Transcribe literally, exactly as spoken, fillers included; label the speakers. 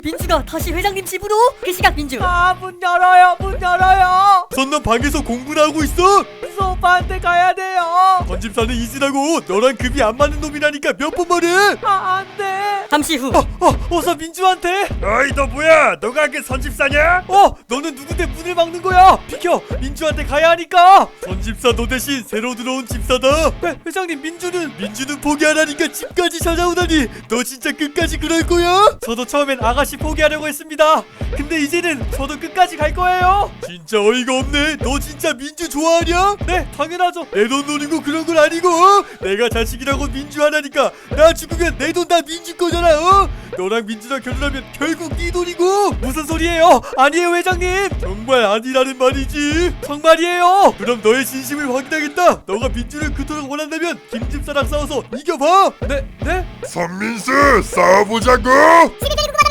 Speaker 1: 민주가 다시 회장님 집으로? 그 시각 민주.
Speaker 2: 아, 문 열어요, 문 열어요.
Speaker 3: 선난 방에서 공부를 하고 있어.
Speaker 2: 민수 오빠한테 가야 돼요.
Speaker 3: 전집사는 이진하고 너랑 급이 안 맞는 놈이라니까 몇 번 말해.
Speaker 2: 아, 안 돼.
Speaker 1: 잠시 후.
Speaker 2: 어, 어서 민주한테.
Speaker 3: 어이 너 뭐야? 너가 그 선집사냐?
Speaker 2: 어, 너는 누군데 문을 막는 거야? 비켜, 민주한테 가야 하니까.
Speaker 3: 선집사 너 대신 새로 들어온 집사다.
Speaker 2: 회, 회장님, 민주는.
Speaker 3: 민주는 포기 안 하니까 집까지 찾아오다니 너 진짜 끝까지 그럴 거야?
Speaker 2: 저도 처음엔 아가씨 포기하려고 했습니다. 근데 이제는 저도 끝까지 갈 거예요.
Speaker 3: 진짜 어이가 없네. 너 진짜 민주 좋아하냐?
Speaker 2: 네, 당연하죠.
Speaker 3: 내 돈 노리고 그런 건 아니고 어? 내가 자식이라고 민주 하나니까 나 죽으면 내 돈 다 민주 거잖아. 어? 너랑 민주랑 결혼하면 결국 네 돈이고.
Speaker 2: 무슨 소리예요? 아니에요, 회장님.
Speaker 3: 정말 아니라는 말이지.
Speaker 2: 정말이에요.
Speaker 3: 그럼 너의 진심을 확인하겠다. 너가 민주를 그토록 원한다면 김집사랑 싸워서 이겨봐.
Speaker 2: 네, 네.
Speaker 4: 선민수 싸워보자고.